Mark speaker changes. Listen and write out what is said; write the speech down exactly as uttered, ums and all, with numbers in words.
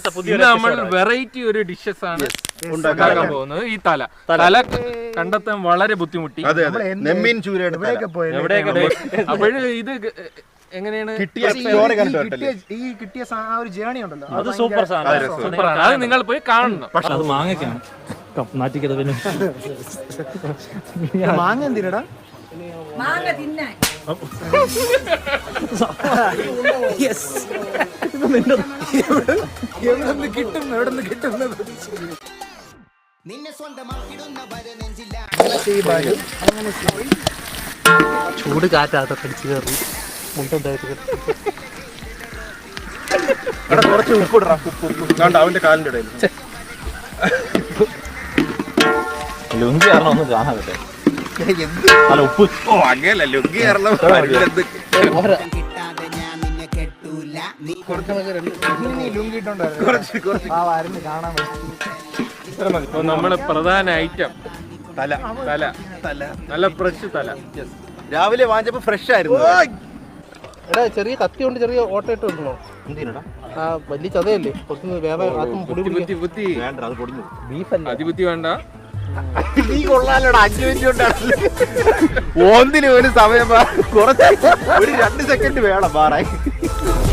Speaker 1: നമ്മൾ വെറൈറ്റി ഒരു ഡിഷസ് ആണ് ഉണ്ടാക്കാൻ പോകുന്നത്. ഈ തല തല കണ്ടെത്താൻ വളരെ ബുദ്ധിമുട്ടി. അപ്പോഴും ഇത് എങ്ങനെയാണ്
Speaker 2: ഈ കിട്ടിയ ഒരു ജേണി ഉണ്ടല്ലോ,
Speaker 3: അത് സൂപ്പർ
Speaker 1: സൂപ്പറാണ്. അത് നിങ്ങൾ പോയി കാണണം.
Speaker 3: പക്ഷെ അത് മാങ്ങയ്ക്കാണ് നാറ്റിക്കത്. പിന്നെ
Speaker 2: മാങ്ങ എന്തിനടാ?
Speaker 4: മാങ്ങ തിന്നാൻ.
Speaker 2: എവിടെന്ന് കിട്ടും എവിടെന്ന് കിട്ടും
Speaker 3: ചൂട് കാറ്റാത്ത പിടിച്ചു കയറി മുണ്ടായിട്ട്
Speaker 5: കുറച്ച് ഉപ്പിടാ. അവന്റെ കാലിന്റെ ഇടയിൽ
Speaker 3: ലുങ്കി കാരണം ഒന്നും കാണാൻ പറ്റേ. അല്ല ഉപ്പ്
Speaker 5: ഓ അങ്ങനല്ല ലുങ്കി കാരണം
Speaker 1: നമ്മുടെ പ്രധാന ഐറ്റം തല തല തല നല്ല ഫ്രഷ് തല.
Speaker 5: രാവിലെ വാങ്ങിച്ചപ്പോ ഫ്രഷ് ആയിരുന്നു.
Speaker 2: എടാ ചെറിയ കത്തി കൊണ്ട് ചെറിയ ഓട്ട ഇട്ട് വെക്കണോ? ആ വലിയ ചതയല്ലേ
Speaker 1: അതിബുദ്ധി വേണ്ട.
Speaker 5: നീ കൊള്ളാലോടാ. അഞ്ചു മിനിറ്റ് കൊണ്ടാണ് ഓന്തിന് ഒരു സമയം കുറച്ച് ഒരു രണ്ട് സെക്കൻഡ് വേണം മാറാൻ.